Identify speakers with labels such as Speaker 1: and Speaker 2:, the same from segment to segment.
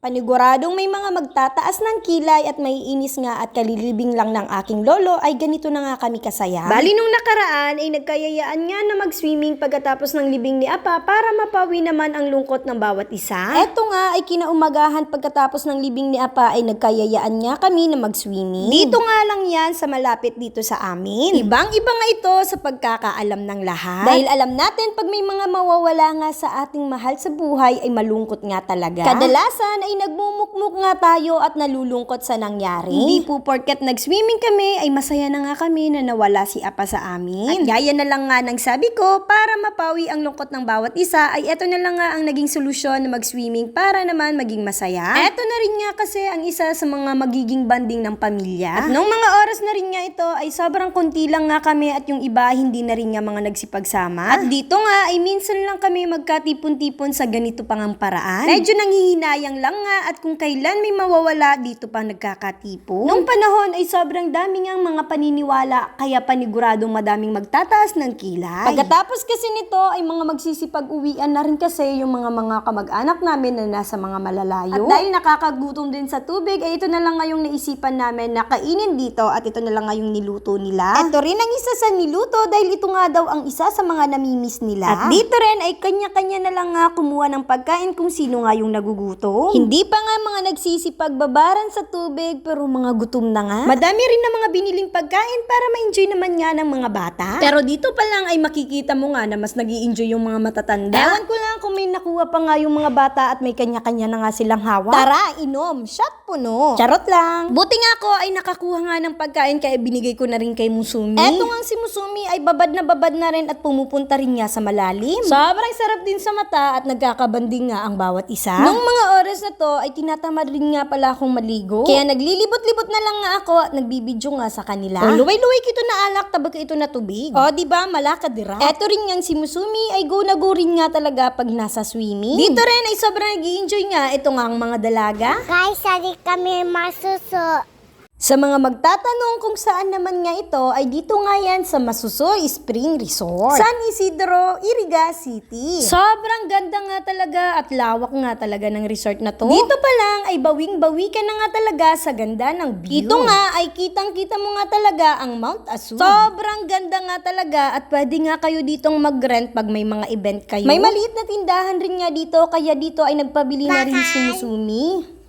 Speaker 1: Paniguradong may mga magtataas ng kilay at maiinis nga at kalilibing lang ng aking lolo ay ganito na nga kami kasaya. Bali nung nakaraan ay nagkayayaan nga na mag-swimming pagkatapos ng libing ni Apa para mapawi naman ang lungkot ng bawat isa. Eto nga ay kinaumagahan pagkatapos ng libing ni Apa ay nagkayayaan nga kami na mag-swimming. Dito nga lang yan sa malapit dito sa amin. Ibang-iba nga ito sa pagkakaalam ng lahat. Dahil alam natin pag may mga mawawala nga sa ating mahal sa buhay ay malungkot nga talaga. Kadalasan ay nagmumukmuk nga tayo at nalulungkot sa nangyari. Hindi po porket nag-swimming kami ay masaya na nga kami na nawala si Apa sa amin. At gaya na lang nga ng sabi ko, para mapawi ang lungkot ng bawat isa ay eto na lang nga ang naging solusyon na mag-swimming para naman maging masaya. Eto na rin nga kasi ang isa sa mga magiging banding ng pamilya. At nung mga oras na rin nga ito ay sobrang konti lang nga kami at yung iba hindi na rin nga mga nagsipagsama. At dito nga ay minsan lang kami magkatipon-tipon sa ganito pang ang paraan. Medyo nanghihinayang lang nga at kung kailan may mawawala dito pa nagkakatipo. Nung panahon ay sobrang daming ang mga paniniwala kaya paniguradong madaming magtataas ng kilay. Pagkatapos kasi nito ay mga magsisipag-uwian na rin kasi yung mga kamag-anak namin na nasa mga malalayo. At dahil nakakagutom din sa tubig ay ito na lang ngayong naisipan namin na kainin dito at ito na lang ngayong niluto nila. Ito rin ang isa sa niluto dahil ito nga daw ang isa sa mga namimiss nila. At dito rin ay kanya-kanya na lang nga kumuha ng pagkain kung sino nga yung nagugutom. Hindi pa nga mga nagsisipagbabaran sa tubig pero mga gutom na nga. Madami rin na mga biniling pagkain para ma-enjoy naman nga ng mga bata. Pero dito pa lang ay makikita mo nga na mas nag-i-enjoy yung mga matatanda. Ewan ko lang kung may nakuha pa nga yung mga bata at may kanya-kanya na nga silang hawak. Tara, inom, shot puno. Charot lang. Buti nga ako ay nakakuha nga ng pagkain kaya binigay ko na rin kay Musumi. Eto nga si Musumi ay babad na rin at pumupunta rin nga sa malalim. Sobrang sarap din sa mata at nagkakabanding nga ang bawat isa. Nung mga oras na to ay tinatamad rin nga pala akong maligo. Kaya naglilibot-libot na lang nga ako at nagbibidyo nga sa kanila. O luway-luway kito na alak tabag ito na tubig. O diba malaka dira. Eto rin nga si Musumi ay go na go rin nga talaga pag nasa swimming. Dito rin ay sobrang nag-i-enjoy nga ito nga ang mga dalaga.
Speaker 2: Guys, sali kami masuso.
Speaker 1: Sa mga magtatanong kung saan naman nga ito, ay dito nga yan sa Masusoy Spring Resort, San Isidro, Iriga City. Sobrang ganda nga talaga at lawak nga talaga ng resort na to. Dito pa lang ay bawing-bawi ka na nga talaga sa ganda ng view. Ito nga ay kitang-kita mo nga talaga ang Mount Asun. Sobrang ganda nga talaga at pwede nga kayo ditong mag-rent pag may mga event kayo. May maliit na tindahan rin nga dito, kaya dito ay nagpabili na rin si Musumi.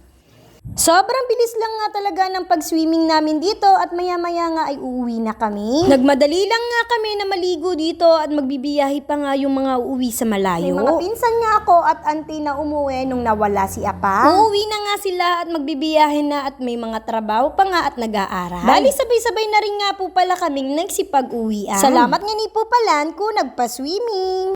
Speaker 1: Sobrang bilis lang nga talaga ng pag-swimming namin dito at maya-maya nga ay uuwi na kami. Nagmadali lang nga kami na maligo dito at magbibiyahe pa nga yung mga uuwi sa malayo. May mga pinsan nga ako at auntie na umuwi nung nawala si Apa. Uuwi na nga sila at magbibiyahe na at may mga trabaho pa nga at nag-aaral. Bali sabay-sabay na rin nga po pala kaming nagsipag-uwian. Salamat nga ni po palan kung nagpa-swimming.